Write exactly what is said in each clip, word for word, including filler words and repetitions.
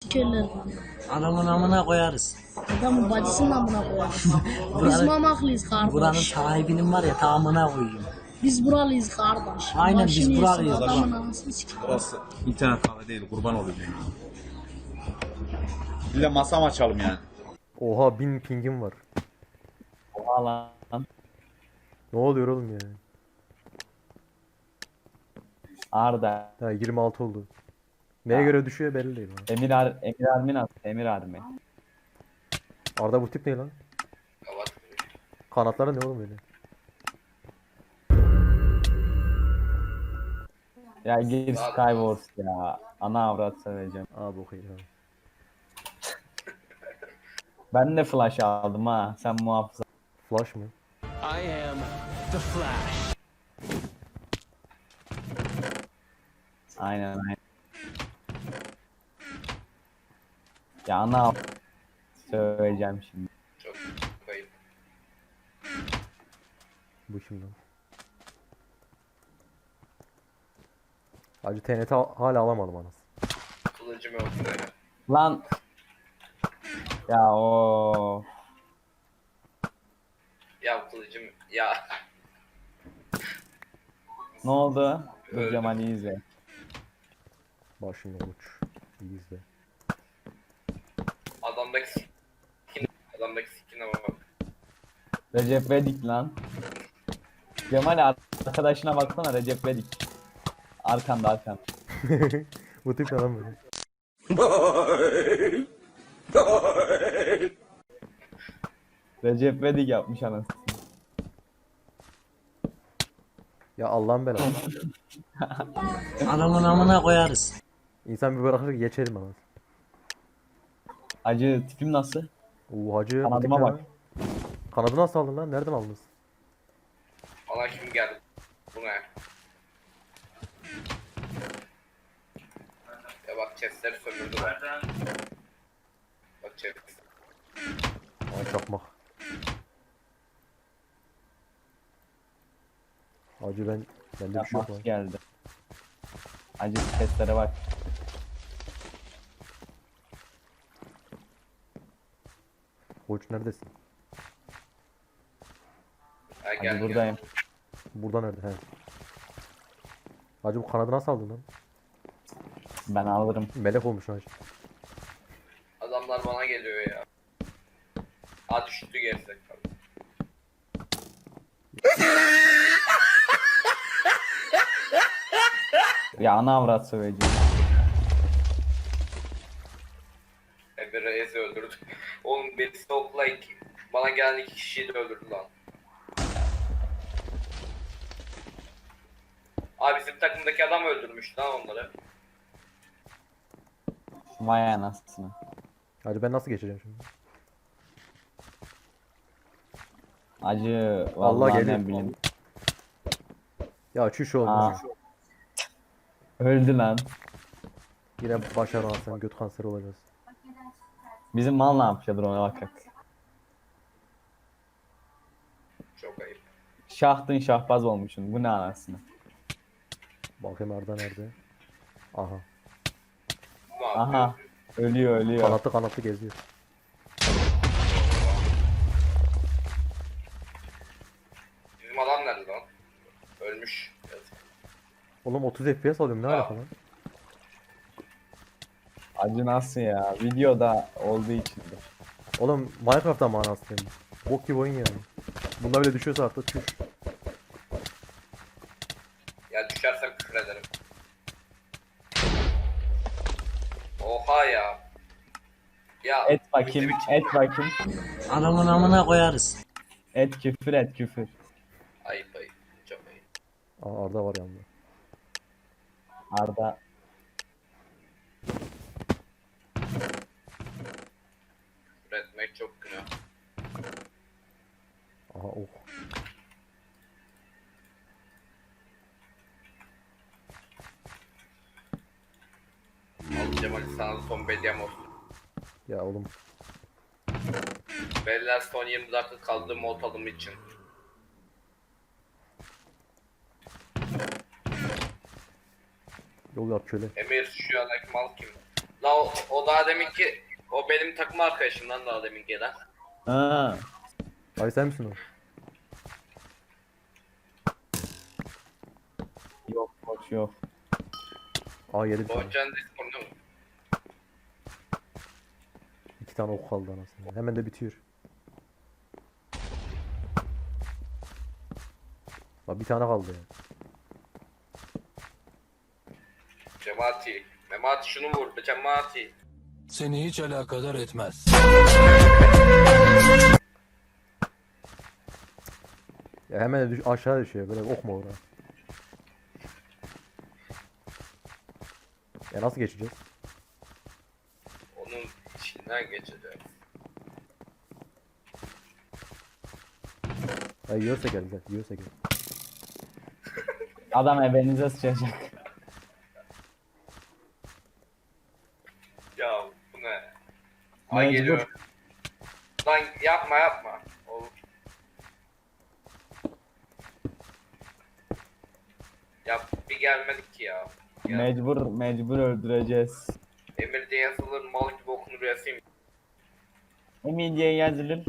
Körler. Adamın amına koyarız. Adamın bacısının amına koyarız. Biz Buranın, mamaklıyız buranın kardeş. sahibinin var ya tamamına koyayım. Biz buralıyız kardeş. Aynen, biz Başını yesin, buralıyız, Adamın bak. anasını sikeyim. Burası internet kafe değil, kurban olayım yani. Bir de masam açalım yani. Oha bin pingim var. Oha lan. Ne oluyor oğlum ya? Arda. Ha yirmi altı oldu. Neye göre düşüyor belli değil. Ha. Emir Ar Emir Armin at. Emir Armin. Arda bu tip ne lan? Kanatları ne oğlum öyle? Ya gir Skywars ya. Ana avrat söyleyeceğim. Aa bu iyi abi. Ben de flash aldım ha. Sen muhafız. Flash mı? I am the Flash. Aynen aynen. Ya ana avrat söyleyeceğim şimdi. Çok kayıp. Bu şimdi. Hacı T N T al- hala alamadım anasını. Kılıcım yok buraya. Lan. Ya o. Ya kılıcım ya. Ne oldu? Dur Cemal'i izle. Bak şimdi uç. İyi izle. Adamdaki skin. Adamdaki skin'e bak. Recep Vedik lan. Cemal arkadaşına baksana Recep Vedik. Arkanda arkanda. Bu tip adam böyle. Recep Vedik yapmış anasını. Ya Allah'ın belası. Adamın amına koyarız. İnsan bir bırakır geçelim anasını. Acı tipim nasıl? Oo hacı bu tip Kanadıma ne bak. lan? Kanadı nasıl aldın lan? Nereden aldınız? Bana kim geldi? Bu ne? Ya bak chestleri sömürdü bak. Bak chest. Aa çakmak. Hacı ben bende bir şey yok Yapmak lan. geldi. Acı testlere bak. Koç neredesin? Ha, Acı gel, buradayım. Burada nerede? He. Hacı bu kanadı nasıl aldın lan? Ben alırım. Melek olmuş hacı. Gel. Adamlar bana geliyor ya. Ha düştü gerizek. Ya ana avrat söyleyeceğim. Emir Reis'i öldürdü. Oğlum birisi okla iki, bana gelen iki kişiyi de öldürdü lan. Abi bizim takımdaki adam öldürmüş lan onları. Vay anasını. Hacı ben nasıl geçeceğim şimdi? Acı Allah vallahi geliyor. ne bileyim. Ya çüş oğlum. Aa. Öldü lan. Yine başar sen göt kanseri olacağız. Bizim mal ne yapıyordur ona bakak. Çok ayıp. Şahtın şahbaz olmuşsun. Bu ne anasını. Bakayım Arda nerede? Aha. Ne yapıyor? Aha. Ölüyor ölüyor. Kanatlı kanatlı geziyor. Bizim adam nerede lan? Ölmüş. Yazık. Oğlum otuz F P S alıyorum ne Aa. alaka lan? Acı nasıl ya? Videoda olduğu içindir. Oğlum Minecraft'ta manası benim. Bok gibi oyun yani. Bunda bile düşüyorsa artık çüş. Ya düşersem küfür ederim. Oha ya. Ya Et bakayım, et bakayım. Adamın amına koyarız. Et küfür et küfür. ayıp ayıp. Çok ayıp. Aa Arda var yanında. Arda Küfür etmek çok günah. Aha oh. Al Cemal sana da son bedyam olsun. Ya oğlum. Beyler son yirmi dakika kaldı mod alımı için. Yol yap köle. Emir şu andaki mal kim? La o, o daha deminki o benim takım arkadaşımdan daha demin gelen. Ha. Ay sen misin o? Yok boş yok. Aa yedi bir tane. Doğucan Discord'u İki tane ok kaldı anasını. Hemen de bitiyor. Bak bir tane kaldı ya. Cemati. Memati şunu vur. Cemati. Seni hiç alakadar etmez. Ya hemen de düş aşağı düşüyor. Böyle ok mu oraya? Ya nasıl geçeceğiz? Onun içinden geçeceğiz. Ya yiyorsa gel güzel. Yiyorsa gel. Adam ebenize sıçacak. Ya bu ne? Ay Mecbur. geliyor. Lan yapma yapma. Oğlum. Ya bir gelmedik ki ya. ya. Mecbur mecbur öldüreceğiz. Emir diye yazılır mal gibi okunur yazayım. Emin diye yazılır.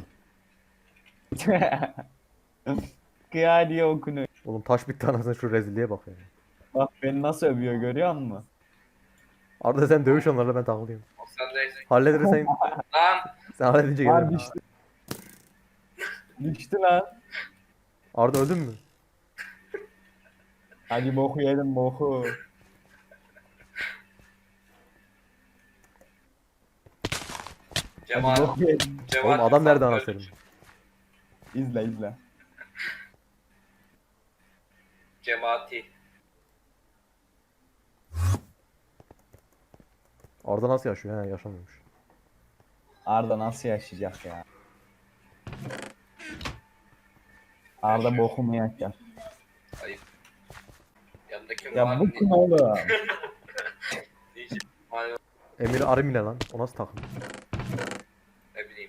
Kıya diye okunuyor. Oğlum taş bitti anasını şu rezilliğe bak ya. Bak beni nasıl övüyor görüyor musun? Arda sen dövüş onlarla ben takılayım. O sen de Hallederiz sen, lan sen halledince Lan gelirim. düştü. Düştü lan. Arda öldün mü? Hadi boku yedim boku. Hadi Cemal. boku yedim. Cemal Oğlum adam nerede sen anasını? öldün. İzle izle. Cemati. Arda nasıl yaşıyor? He yaşamıyormuş. Arda nasıl yaşayacak ya? Arda boku mu yaşayacak? Ayıp. Yanındaki Ya var bu mı? kim oğlum? Diyeceğim. Hani Emir Arimile lan. O nasıl takım? ne bileyim.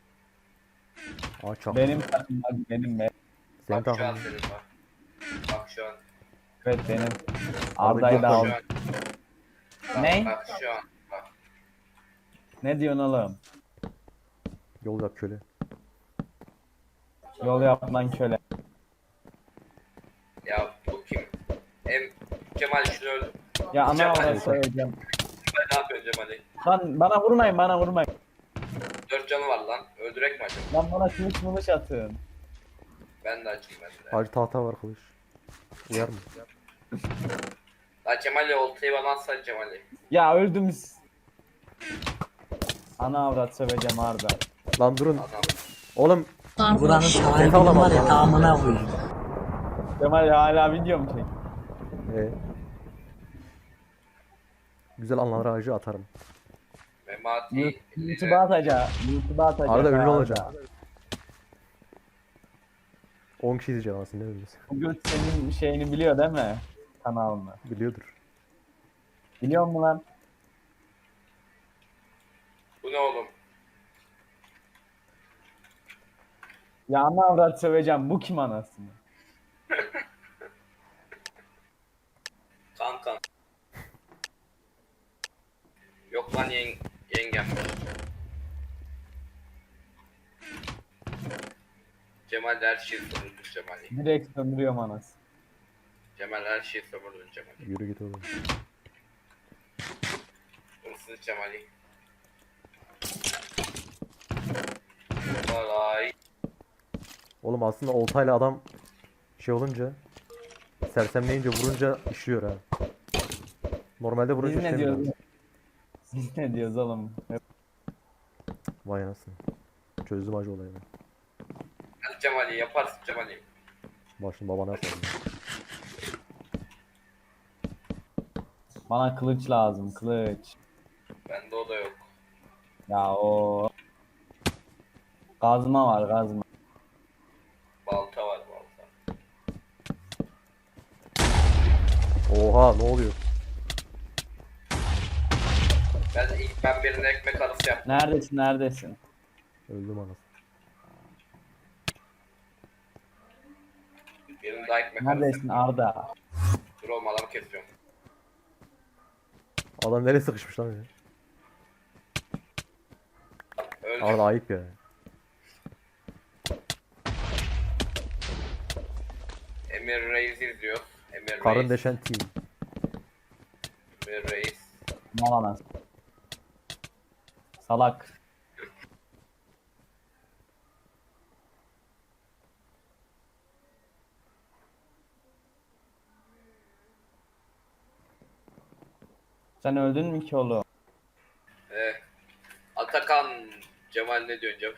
Aa çak. Benim takım hadi benim be. Senin Bak şu an takımın. senin var. Bak şu an. Evet benim. Arda Arda'yı da yok al. Şu an. Bak, Ne? Bak şu an. Bak. Ne diyorsun oğlum? Yol yap köle. Yol yapman köle. Ya bu kim? Em Cemal şunu öldü. Ya ana Cemal. orası söyleyeceğim. Ben ne yapıyorsun Cemal'i? Lan bana vurmayın bana vurmayın. Dört canı var lan. Öldürek mi acaba? Lan bana kılıç mılıç atın. Ben de açayım ben de. Hacı tahta var kılıç. Uyar mı? Lan Cemal'i oltayı bana atsan Cemal'i. Ya öldüm. Ana avrat söveceğim Arda. Lan durun. Adam. Oğlum Buranın Kardeş. sahibinin var ya tamamına koyayım. Kemal hala video mu çek? ee, güzel anlar ağacı atarım. Memati. YouTube'a atacağım. YouTube'a atacağım. Arada ünlü olacağım. on kişi izleyeceğim aslında ne ünlüsü. Bu göt senin şeyini biliyor değil mi? Kanalını. Biliyordur. Biliyor musun lan? Bu ne oğlum? Ya ana avrat söveceğim. Bu kim anasını? Kankan. Yok lan yeng yengem. Cemal her şeyi sömürdün Cemal'i. Direkt sömürüyorum anasını. Cemal her şeyi sömürdün Cemal'i. Yürü git oğlum. Hırsız Cemal'i. Vay. Oğlum aslında oltayla adam şey olunca sersemleyince vurunca işliyor ha. Normalde Biz vurunca ne işlemiyor. diyoruz? Biz ne diyoruz oğlum? Vay anasını. Çözdüm acı olayı ben. Hadi Cemal'i yaparsın Cemal'i. Bak şimdi babana sorayım. Bana kılıç lazım kılıç. Bende o da yok. Ya o gazma var gazma. Balta var balta. Oha ne oluyor? Ben ilk ben birine ekmek arası yaptım. Neredesin neredesin? Öldüm anasını. Birine daha ekmek Neredesin arası. Arda? Dur oğlum adam kesiyorum. Adam nereye sıkışmış lan ya? Öldü. Arda ayıp ya. Emir Reis izliyor. Emir Karın Reis. deşen team. Emir Reis. Mal anasını. Salak. Sen öldün mü ki oğlum? Ee, Atakan. Cemal ne diyorsun Cemal?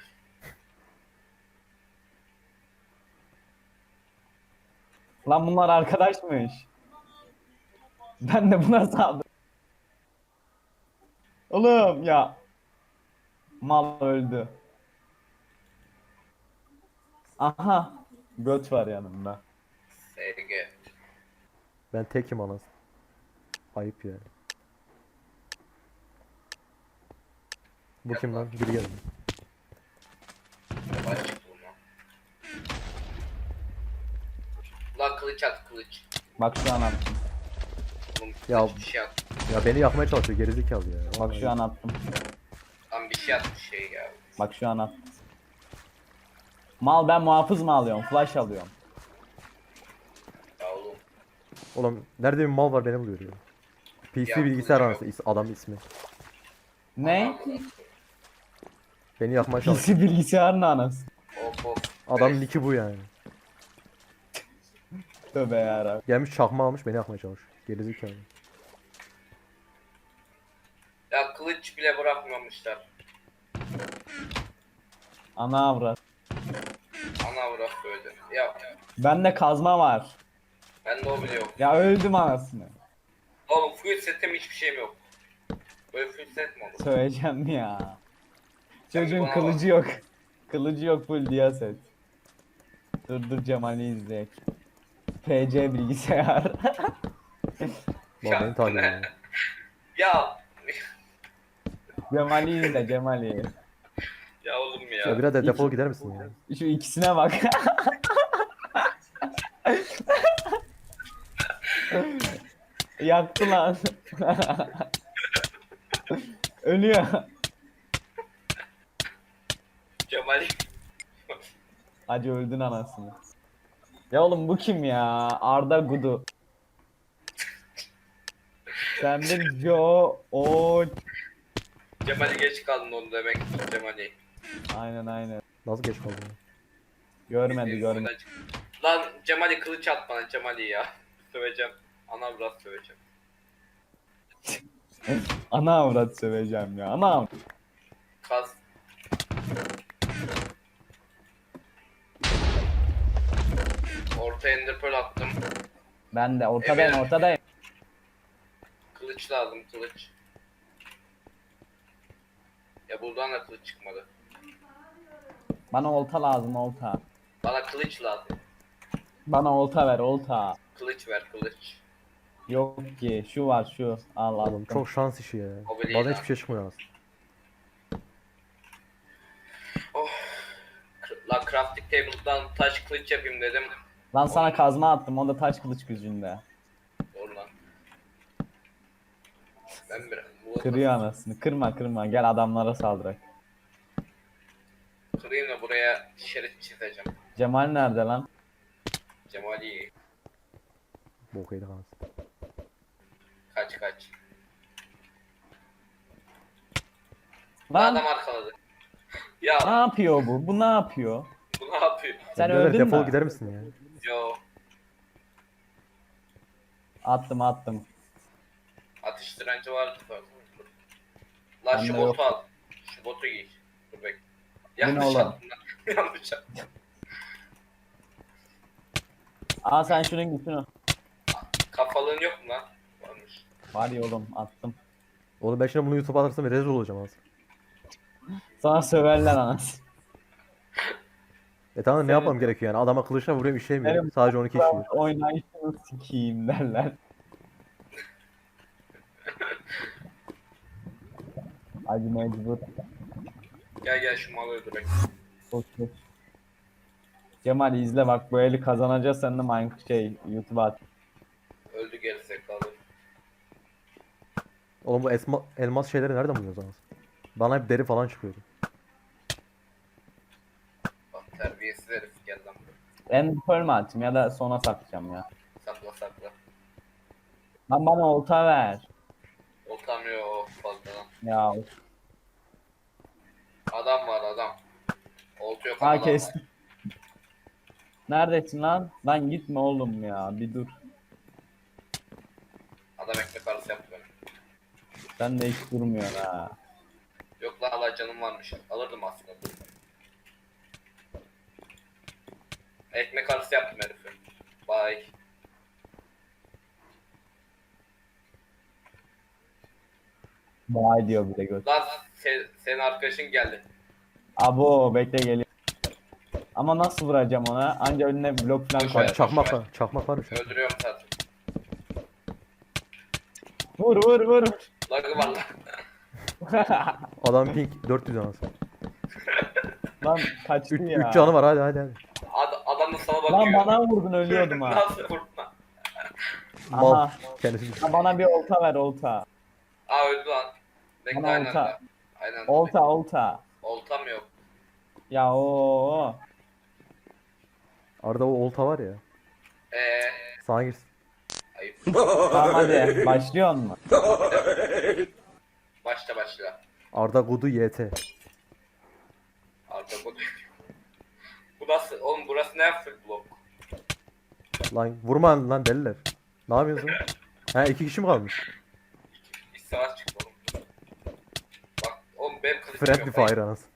Lan bunlar arkadaşmış. Ben de buna saldım. Oğlum ya. Mal öldü. Aha. Göt var yanımda. S G. Ben tekim anasını. Ayıp ya. Bu kim lan? Biri geldi. Cemal çıktı buna. Lan kılıç at kılıç. Bak şu an attım. Oğlum Ya- kılıç bir şey at. Ya beni yakmaya çalışıyor gerizekalı ya. Bak Vallahi. şu an attım. Lan bir şey at bir şey ya. Bak şu an attım. Mal ben muhafız mı alıyorum? Flash alıyorum. Ya oğlum. Oğlum nerede bir mal var beni buluyor ya. P C Ya, bilgisayar kılıç anası is- adam ismi. Ne? Beni yakmaya çalışıyor. P C bilgisayarın anası. Of of. Adam Evet. nicki bu yani. Tövbe yarabbim. Gelmiş çakma almış beni yakmaya çalışıyor. Gerizekalı. Ya kılıç bile bırakmamışlar. Ana avrat. Ana bırak böyle. Ya Bende kazma var. ben de o bile yok. Ya öldüm anasını. Oğlum full setim hiçbir şeyim yok. Böyle full set mi olur? Söyleyeceğim ya. Çocuğun bana kılıcı yok. Kılıcı yok full diyaset. Dur dur Cemal'i izleyek. P C bilgisayar. Lan beni takip ediyor. Ya Cemal'i izle Cemal'i. ya oğlum ya. Ya birader defol gider misin ya? Şu ikisine bak. Yaktı lan. Ölüyor. Cemal Hacı öldün anasını. Ya oğlum bu kim ya? Arda Gudu. Sen bir Joe o Cemal'i geç kaldın onu demek. Cemal'i. aynen aynen. Nasıl geç kaldın ya? Görmedi görmedi. Lan Cemal'i kılıç at bana Cemal'i ya. Söveceğim. Ana biraz söveceğim. Ana avrat söveceğim ya. Ana avrat. Kaz. Orta ender pearl attım. Ben de ortadayım Evet. ortadayım. Kılıç lazım kılıç. Ya buradan da kılıç çıkmadı. Bana olta lazım olta. Bana kılıç lazım. Bana olta ver olta. Kılıç ver kılıç. Yok ki şu var şu. Al al. Oğlum çok şans işi ya. O bile iyi Bazen lan. hiçbir şey çıkmıyor aslında. Oh. K- La crafting table'dan taş kılıç yapayım dedim. Lan sana kazma attım o da taş kılıç gücünde. Doğru lan. Ben bir bu Kırıyor anasını. Kırma kırma gel adamlara saldırak. kırayım da buraya şerit çizeceğim. Cemal nerede lan? Cemali Bok yedik anasını. kaç kaç. Lan Adam arkaladı. ne Ya yapıyor bu? Bu ne yapıyor? bu ne yapıyor? Sen Birader öldün defol mü? gider misin ya? Yo Attım attım. atış direnci vardı zaten. Lan Bende şu yok. botu al. Şu botu giy. Dur bek. ne Yanlış oğlum? attım lan. Yanlış attım. Aa sen şunun gücünü. Kafalığın yok mu lan? Varmış. Var ya oğlum attım. Oğlum ben şimdi bunu YouTube'a atarsam rezil olacağım aslında. Sana söverler anasını. E tamam ne Senin- yapmam gerekiyor yani? Adama kılıçla vuruyorum işlemiyor. Benim- Sadece on iki işliyor. Oynayışını sikiyim derler. Hadi mecbur. Gel gel şu malı öldürek. Koş, koş. Cemal izle bak bu eli kazanacağız sen de Minecraft şey YouTube'a at. Öldü gerizekalı. Oğlum bu esma, elmas şeyleri nereden buluyoruz anasını? Bana hep deri falan çıkıyordu. Terbiyesiz herif gel lan buraya. Ben pearl mi atayım ya da sona saklayacağım ya. Sakla sakla. Lan bana olta ver. Oltamıyor fazladan. Ya Adam var adam. Oltu yok ama ha adam kestim. var. Neredesin lan? Lan gitme oğlum ya bir dur. Adam ekmek arası yaptı beni. Sen de hiç durmuyor ha. Yok lan Allah canım varmış. Alırdım aslında. Ekmek arası yaptım herifi. Bye. Vay diyor bir de göt. Lan se- senin arkadaşın geldi. Abo bekle geliyor. Ama nasıl vuracağım ona? Anca önüne blok falan Boş koy. ver. Çakmak var. Çakmak var mı? Çakmak? Öldürüyorum zaten. Vur vur vur. Lagı var lan. Adam pink dört yüz anasını. Lan kaçtı üç ya. canı var hadi hadi hadi. Ad- adam da sana Lan bakıyor. bana vurdun ölüyordum ha. Nasıl vurdun lan? Mal. Aha. Kendisi düştü. Ha, bana bir olta ver olta. Aa öldü lan. Bekle Bana aynen olta. anda. Aynen anda. Olta olta. Oltam yok. Ya o. Arada o olta var ya. Eee. Sana girsin. Ayıp. Tamam hadi başlıyor mu? Başla başla. Arda Gudu Y T. Arda bu. Bu nasıl? Oğlum burası ne full blok? Lan vurma lan deliler. Ne yapıyorsun? Ha iki kişi mi kalmış? Bir savaş çıktı oğlum. Bak oğlum benim kılıcım Friendly yok. fire Ayıp. anasını.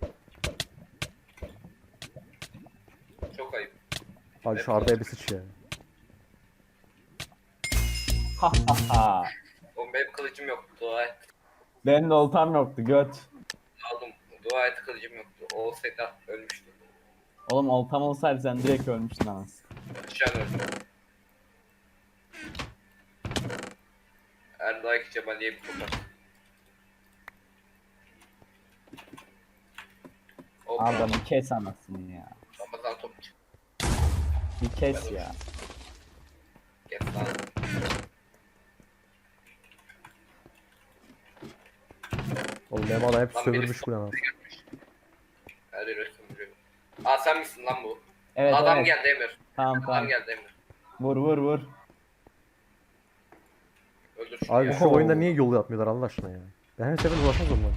Çok ayıp. Hadi şu Arda'ya bir sıç ya. Ha ha ha. Oğlum benim kılıcım yok. Dua et. Benim de oltam yoktu göt. Aldım. Dua et kılıcım yoktu. O olsaydı ölmüştü. Oğlum oltam olsaydı sen direkt ölmüştün anasını. Şu an öldü. Erdağ Cebali'ye bir topar. Hop. Arda bir kes anasını ya. Ramazan topçu. Bir kes ya. Kes lan. Oğlum benim adam hep Lan sömürmüş birisi bu anasını. Her yeri sömürüyor. Aa sen misin lan bu? Evet Adam evet. geldi Emir. Tamam Adam tamam. geldi Emir. Vur vur vur. Öldür şunu Abi ya. şu oyunda niye yol yapmıyorlar Allah aşkına ya? Ben her sefer ulaşmaz onlara.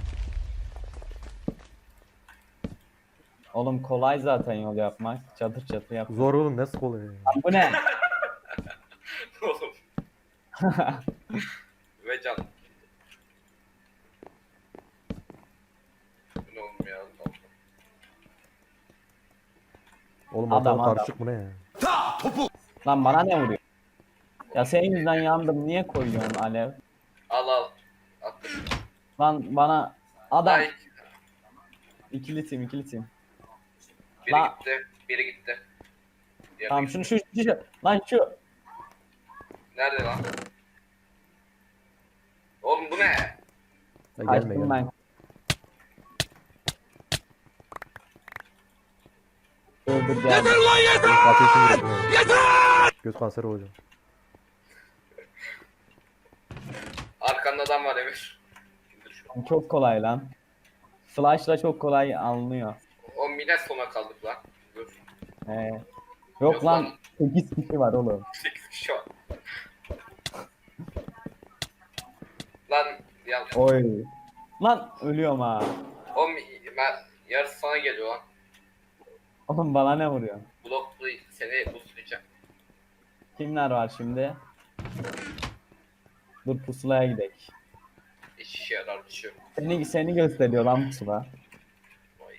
Oğlum kolay zaten yol yapmak. Çatır çatır yap. Zor oğlum nasıl kolay ya? Lan bu ne? Oğlum. Ve can. Bu ne oğlum ya? Oğlum Adam, adam adam. karışık bu ne ya? Lan bana ne vuruyor? Ya senin yüzünden yandım. Niye koyuyorsun alev? Al al. Attım. Lan bana adam. Ay, İkili tim ikili tim. biri La- gitti. Biri gitti. Diğeri Tamam gitti. şunu şu, şu, şu. Lan şu. Nerede lan? Oğlum bu ne? Ya gelme Kaçtım gelme. ben. Dur dur gel. Ateşim yok. Yeter! Göz kanseri hocam. Arkanda adam var Emir. İndir şunu. Çok kolay lan. Flash'la çok kolay alınıyor. O mine sona kaldık lan. Dur. Ee, yok, Yok lan lan. sekiz kişi var oğlum. sekiz kişi var. Lan ya. Oy. Lan ölüyorum ha. O ben yarısı sana geliyor lan. Oğlum bana ne vuruyor? Bloklu seni buslayacak. Kimler var şimdi? Dur pusulaya gidelim. Hiç işe yarar bir şey yok. Seni, seni gösteriyor lan pusula. Vay.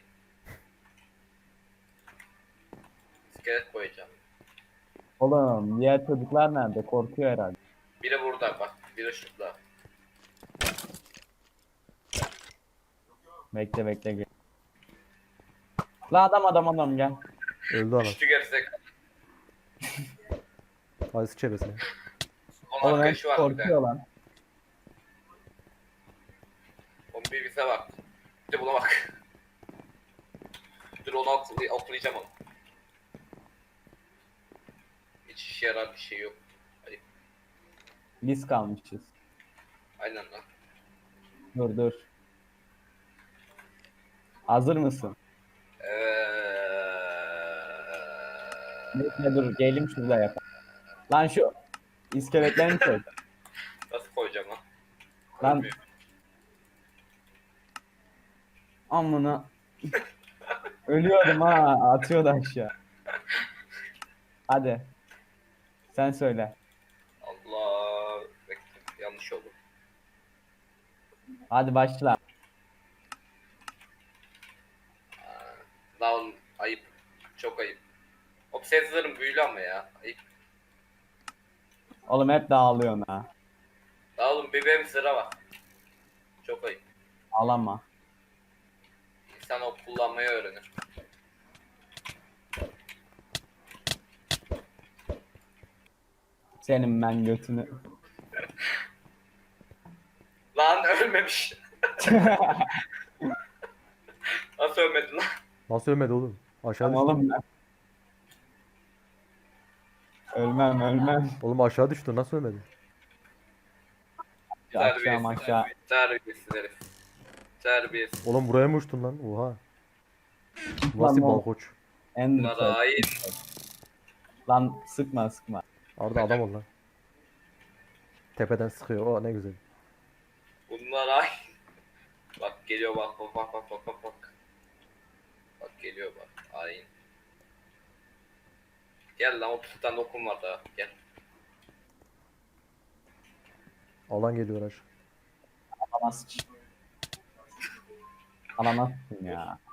İskelet koyacağım. Oğlum diğer çocuklar nerede? Korkuyor herhalde. Biri burada bak. Biri şurada. Bekle bekle gel. La adam adam adam gel. Öldü anasını. Düştü gerizek. Hadi sıç çevresine. Onun Oğlum hep arkadaşı var bir korkuyor de. lan. Onun bir bize bak. Bir de buna bak. Dur onu okulay okulayacağım onu. Hiç işe yarar bir şey yok. Hadi. Biz kalmışız. Aynen lan. Dur dur. Hazır mısın? Eee... Bekle dur gelim şurada yap. Lan şu iskeletlerini çek. Nasıl koyacağım lan? Lan Olmuyor. amına. Ölüyordum ha atıyordu aşağı. Hadi. Sen söyle. Allah. Bekle. Yanlış oldu. Hadi başla. Lan ayıp. Çok ayıp. Obsessor'ın büyülü ama ya. Ayıp. Oğlum hep dağılıyorsun ha. Daha oğlum bir benim sıra var. Çok ayıp. Ağlama. İnsan o kullanmayı öğrenir. Senin ben götünü. Lan ölmemiş. Nasıl ölmedin lan? Nasıl ölmedi oğlum? Aşağı düştü. Oğlum ben. Ölmem ölmem. Oğlum aşağı düştü. Nasıl ölmedi? Aşağı aşağı. Terbiyesiz herif. Terbiyesiz. Oğlum buraya mı uçtun lan? Oha. Lan Nasıl o- balkoç? Ender Bunlar Pearl. hain. Lan sıkma sıkma. Arda adam ol lan. Tepeden sıkıyor. O ne güzel. Bunlar hain. Bak geliyor bak bak bak bak bak bak bak. Bak geliyor bak. Hain. Gel lan otuz tane okum var daha. Gel. Alan geliyor aşağı. Alamaz. Alamazsın ya.